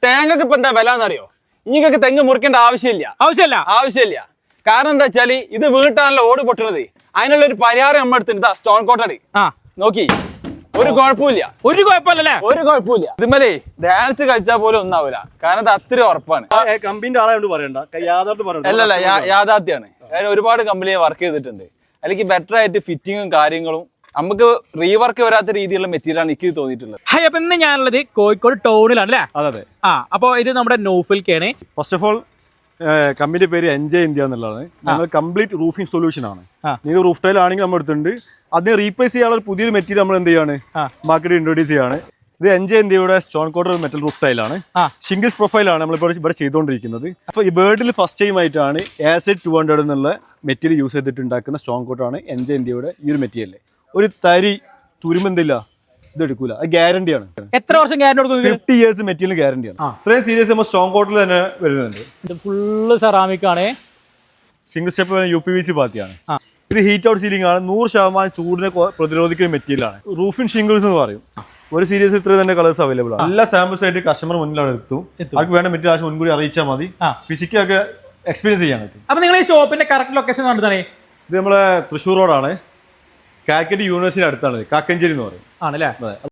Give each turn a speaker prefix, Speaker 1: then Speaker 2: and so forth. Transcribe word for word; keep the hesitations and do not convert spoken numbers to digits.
Speaker 1: തേങ്ങക്ക് ഇപ്പൊ എന്താ വില എന്നറിയോ? നിങ്ങൾക്ക് തെങ്ങ് മുറിക്കേണ്ട ആവശ്യമില്ല
Speaker 2: ആവശ്യമില്ല
Speaker 1: ആവശ്യമില്ല കാരണം എന്താ വെച്ചാല് ഇത് വീട്ടാണല്ലോ ഓട് പൊട്ടുന്നത്. അതിനുള്ള ഒരു പരിഹാരം നമ്മൾ എടുത്തിട്ട് സ്റ്റോൺ കോട്ടടി നോക്കി ഒരു കുഴപ്പമില്ല
Speaker 2: ഒരു കുഴപ്പമില്ലല്ലേ ഒരു
Speaker 1: കുഴപ്പമില്ല. ഇതുമല്ലേ ഡാൻസ് കളിച്ചാൽ പോലും ഒന്നാവൂല കാരണം അത് അത്ര ഉറപ്പാണ്.
Speaker 3: കമ്പനിന്റെ ആളായോണ്ട് പറയണ്ട,
Speaker 1: അല്ലല്ല യാഥാർത്ഥ്യാണ്. ഞാൻ ഒരുപാട് കമ്പനിയെ വർക്ക് ചെയ്തിട്ടുണ്ട്. അല്ലെങ്കിൽ ബെറ്റർ ആയിട്ട് ഫിറ്റിങ്ങും കാര്യങ്ങളും നമുക്ക് റീവർക്ക് വരാത്ത രീതിയിലുള്ള മെറ്റീരിയൽ ആണ് എനിക്ക് തോന്നിയിട്ടുള്ളത്.
Speaker 2: ഹായ്, അപ്പൊ ഇന്ന് ഞാനുള്ളത് കോഴിക്കോട് ടൗണിലാണ് അല്ലേ?
Speaker 3: അതെ അതെ.
Speaker 2: ആ അപ്പൊ ഇത് നമ്മുടെ നോഫിൽക്കാണ്.
Speaker 3: ഫസ്റ്റ് ഓഫ് ഓൾ കമ്പനിയുടെ പേര് എൻജോയ് ഇന്ത്യ എന്നുള്ളതാണ്. നമ്മൾ കംപ്ലീറ്റ് റൂഫിംഗ് സൊല്യൂഷൻ ആണ്. നിങ്ങൾ റൂഫ് ടൈൽ ആണെങ്കിൽ നമ്മൾ എടുത്തിട്ടുണ്ട്. അതിനെ റീപ്ലേസ് ചെയ്യാനുള്ള പുതിയൊരു മെറ്റീരിയൽ നമ്മൾ എന്ത് ചെയ്യാണ് മാർക്കറ്റിൽ ഇൻട്രോഡ്യൂസ് ചെയ്യാണ്. ഇത് എൻജോയ് ഇന്ത്യയുടെ സ്റ്റോൺ കോട്ടർ മെറ്റൽ റൂഫ് ടൈലാണ്. ഷിംഗിൾസ് പ്രൊഫൈലാണ് നമ്മളിപ്പോൾ ഇവിടെ ചെയ്തുകൊണ്ടിരിക്കുന്നത്. അപ്പോൾ ഈ വേൾഡിൽ ഫസ്റ്റ് ടൈം ആയിട്ടാണ് ആസിഡ് ടു ഹൺഡ്രഡ് എന്നുള്ള മെറ്റീരിയൽ യൂസ് ചെയ്തിട്ട് ഉണ്ടാക്കുന്ന സ്റ്റോൺ കോട്ടറാണ് എൻജോയ് ഇന്ത്യയുടെ ഈ ഒരു മെറ്റീരിയൽ. ഒരു തരി തുരുമ്പെന്തില്ല, ഇത് എടുക്കൂല, അത് ഗ്യാരണ്ടിയാണ്.
Speaker 2: എത്ര വർഷം ഗ്യാരണ്ടി കൊടുക്കും?
Speaker 3: ഫിഫ്റ്റി ഇയേഴ്സ് മെറ്റീരിയൽ ഗ്യാരണ്ടിയാണ്. ഇത്രയും സീരിയസ് നമ്മൾ സ്റ്റോൺ കോട്ടറിൽ തന്നെ വരുന്നുണ്ട്.
Speaker 2: ഇത് ഫുള്ള് സെറാമിക് ആണ്.
Speaker 3: Single step U P V C പാത്തിയാണ്. ഇത് ഹീറ്റ് ഔട്ട് സീലിംഗ് ആണ്. നൂറ് ശതമാനം ചൂടിനെ പ്രതിരോധിക്കുന്ന മെറ്റീരിയലാണ്. റൂഫിൻ ഷിംഗിൾസ് എന്ന് പറയും. ഒരു സീരീസ് ഇത്ര തന്നെ കളേഴ്സ് അവൈലബിൾ ആണ്. എല്ലാ സാമ്പിൾസ് ആയിട്ട് കസ്റ്റമർ മുന്നിലാണ് എത്തും. അവർക്ക് വേണ്ട മെറ്റീരിയൽ ആവശ്യം മുൻകൂടി അറിയിച്ചാൽ മതി. ഫിസിക്കൊക്കെ എക്സ്പീരിയൻസ് ചെയ്യാൻ പറ്റും.
Speaker 2: അപ്പൊ നിങ്ങൾ ഈ ഷോപ്പിന്റെ കറക്റ്റ് ലൊക്കേഷൻ കണ്ടിട്ടാണ്?
Speaker 3: ഇത് നമ്മളെ തൃശ്ശൂർ റോഡാണ്. കാലിക്കറ്റ് യൂണിവേഴ്സിറ്റി അടുത്താണ്, കാക്കഞ്ചേരി എന്ന് പറയും.
Speaker 2: ആണല്ലേ?